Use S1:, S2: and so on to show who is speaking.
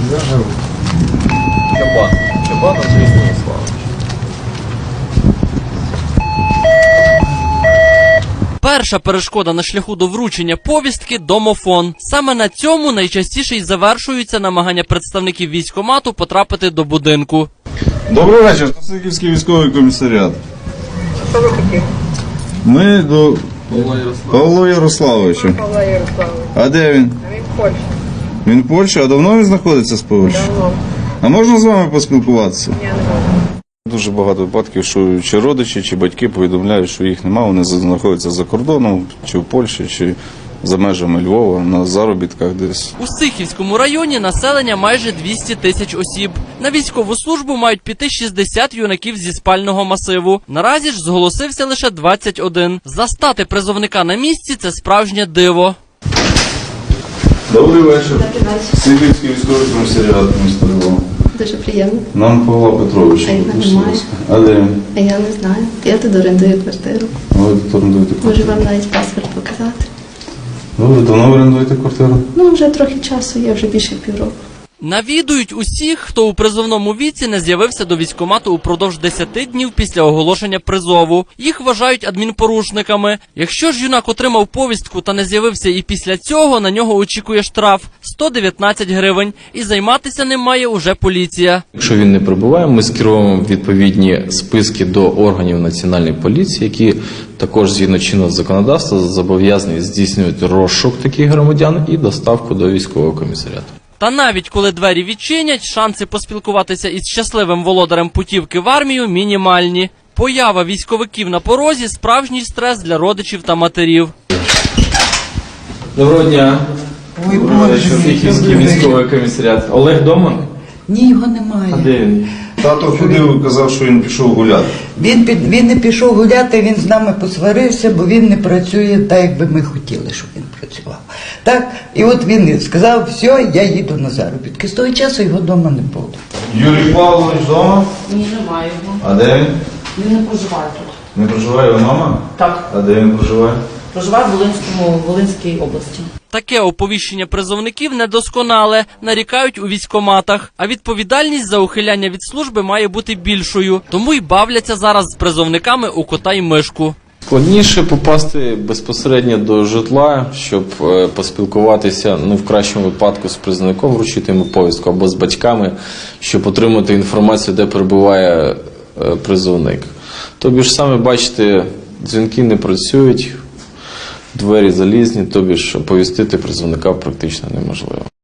S1: Чабан Андрій Станіславович.
S2: Перша перешкода на шляху до вручення повістки – домофон. Саме на цьому найчастіше й завершуються намагання представників військкомату потрапити до будинку.
S3: Добрий вечір, Стосиківський військовий комісаріат.
S4: Що ви хотіли?
S3: Ми до Павла Ярославовича.
S4: Павла Ярославовича.
S3: А де він?
S4: А він в Польщі.
S3: Він в Польщі? А давно він знаходиться з Польщі?
S4: Давно.
S3: А можна з вами поспілкуватися?
S4: Я не можу.
S3: Дуже багато випадків, що чи родичі, чи батьки повідомляють, що їх немає, вони знаходяться за кордоном, чи в Польщі, чи за межами Львова, на заробітках десь.
S2: У Сихівському районі населення майже 200 тисяч осіб. На військову службу мають піти 60 юнаків зі спального масиву. Наразі ж зголосився лише 21. Застати призовника на місці – це справжнє диво.
S3: Добрий вечір. Сихівський військовий комісаріат міста Львова.
S5: Дуже приємно.
S3: Нам Павла Петровича.
S5: А його немає.
S3: А де він?
S5: А я не знаю. Я тут орендую квартиру.
S3: Ви тут орендуєте
S5: Можу
S3: квартиру?
S5: вам навіть паспорт показати.
S3: Ви давно орендуєте квартиру?
S5: Ну, вже трохи часу, я вже більше півроку.
S2: Навідують усіх, хто у призовному віці не з'явився до військкомату упродовж 10 днів після оголошення призову. Їх вважають адмінпорушниками. Якщо ж юнак отримав повістку та не з'явився і після цього, на нього очікує штраф – 119 гривень. І займатися ним має уже поліція.
S1: Якщо він не прибуває, ми скеруємо відповідні списки до органів Національної поліції, які також згідно чинного законодавства зобов'язані здійснювати розшук таких громадян і доставку до військового комісаріату.
S2: Та навіть коли двері відчинять, шанси поспілкуватися із щасливим володарем путівки в армію мінімальні. Поява військовиків на порозі – справжній стрес для родичів та матерів.
S1: Доброго дня.
S6: Ой, Боже,
S1: Сихівський військовий комісаріат. Олег вдома?
S6: ні, його немає.
S1: А де він?
S3: Тато ходив і казав, що він пішов гуляти.
S6: Він не пішов гуляти, він з нами посварився, бо він не працює так, як би ми хотіли, щоб він працював. Так, і от він сказав, все, я їду на заробітки. З того часу його вдома не було.
S3: Юрій Павлович вдома?
S7: Ні, немає його.
S3: А де він?
S7: Він не проживає тут.
S3: Не проживає його мама?
S7: Так.
S3: А де він проживає?
S7: Проживає в Волинській області.
S2: Таке оповіщення призовників недосконале, нарікають у військкоматах. А відповідальність за ухиляння від служби має бути більшою. Тому й бавляться зараз з призовниками у кота й мишку.
S1: Складніше попасти безпосередньо до житла, щоб поспілкуватися, в кращому випадку з призовником, вручити йому повістку, або з батьками, щоб отримати інформацію, де перебуває призовник. Тобі ж саме бачите, дзвінки не працюють, двері залізні, тобі ж оповістити призовника практично неможливо.